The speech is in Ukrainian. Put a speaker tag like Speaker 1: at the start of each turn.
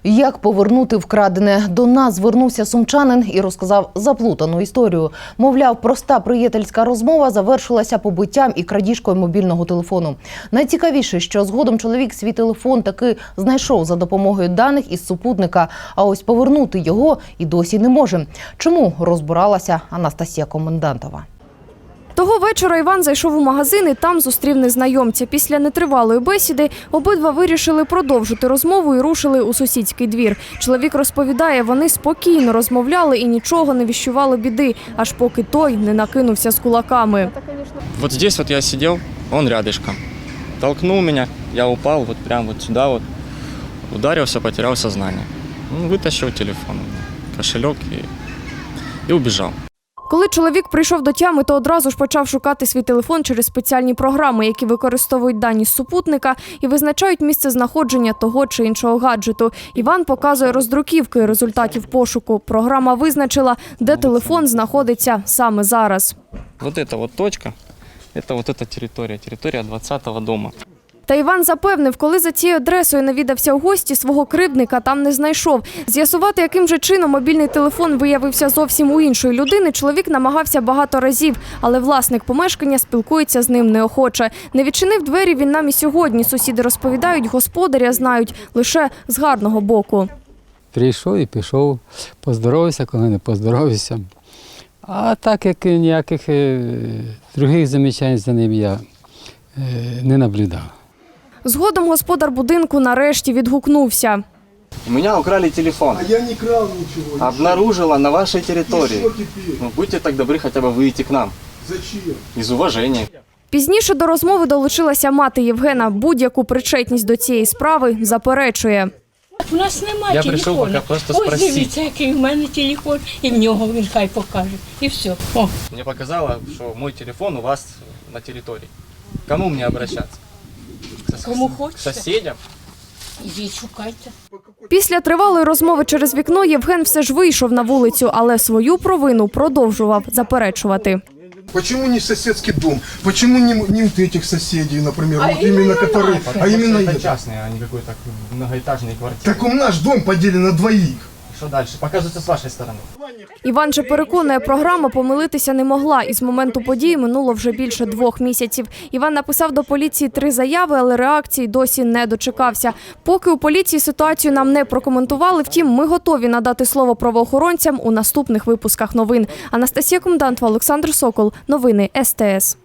Speaker 1: Як повернути вкрадене? До нас звернувся сумчанин і розказав заплутану історію. Мовляв, проста приятельська розмова завершилася побиттям і крадіжкою мобільного телефону. Найцікавіше, що згодом чоловік свій телефон таки знайшов за допомогою даних із супутника, а ось повернути його і досі не може. Чому? Розбиралася Анастасія Комендантова.
Speaker 2: Того вечора Іван зайшов у магазин і там зустрів незнайомця. Після нетривалої бесіди обидва вирішили продовжити розмову і рушили у сусідський двір. Чоловік розповідає, вони спокійно розмовляли і нічого не віщували біди, аж поки той не накинувся з кулаками.
Speaker 3: Вот здесь вот я сидел, он рядышком. Толкнул меня, я упал вот прямо вот сюда вот. Ударился, потерял сознание. Вытащил телефон, кошелек и убежал.
Speaker 2: Коли чоловік прийшов до тями, то одразу ж почав шукати свій телефон через спеціальні програми, які використовують дані з супутника і визначають місце знаходження того чи іншого гаджету. Іван показує роздруківки результатів пошуку. Програма визначила, де телефон знаходиться саме зараз.
Speaker 3: Вот эта вот точка, это вот эта территория 20-го дома.
Speaker 2: Та Іван запевнив, коли за цією адресою навідався у гості, свого кривдника там не знайшов. З'ясувати, яким же чином мобільний телефон виявився зовсім у іншої людини, чоловік намагався багато разів, але власник помешкання спілкується з ним неохоче. Не відчинив двері він нам і сьогодні. Сусіди розповідають, господаря знають лише з гарного боку.
Speaker 4: Прийшов і пішов, поздоровався, коли не поздоровався. А так як ніяких других замічань за ним я не наблюдав.
Speaker 2: Згодом господар будинку нарешті відгукнувся.
Speaker 3: У меня украли телефон.
Speaker 5: А я не крал ничего.
Speaker 3: Обнаружила на вашей территории.
Speaker 5: И что теперь?
Speaker 3: Будьте так добры хотя бы выйти к нам.
Speaker 5: Зачем?
Speaker 3: Из уважения.
Speaker 2: Пізніше до розмови долучилася мати Євгена. Будь-яку причетність до цієї справи заперечує.
Speaker 6: У нас немає
Speaker 3: Я
Speaker 6: телефону.
Speaker 3: прийшов поки просто
Speaker 6: Ось
Speaker 3: спросити.
Speaker 6: дивіться, який в мене телефон, і в нього він хай покаже. І все. О.
Speaker 3: Мне показало, что мой телефон у вас на территории. Кому мне обращаться?
Speaker 6: Кому
Speaker 3: К
Speaker 6: хочете.
Speaker 3: соседям?
Speaker 6: Ідіть, шукайте.
Speaker 2: Після тривалої розмови через вікно Євген все ж вийшов на вулицю, але свою провину продовжував заперечувати.
Speaker 5: Почему не соседский дом? Почему не вот этих соседей, например,
Speaker 6: А
Speaker 5: вот именно которые, а именно
Speaker 3: это
Speaker 5: это?
Speaker 3: частный, а не какой-то многоэтажный квартиры.
Speaker 5: Так у наш дом поделен на двоих.
Speaker 3: Что дальше? Показывается с вашей стороны.
Speaker 2: Іван же переконує, програма помилитися не могла. І з моменту події минуло вже більше 2 місяців. Іван написав до поліції 3 заяви, але реакції досі не дочекався. Поки у поліції ситуацію нам не прокоментували, втім, ми готові надати слово правоохоронцям у наступних випусках новин. Анастасія Комендантова, Олександр Сокол. Новини СТС.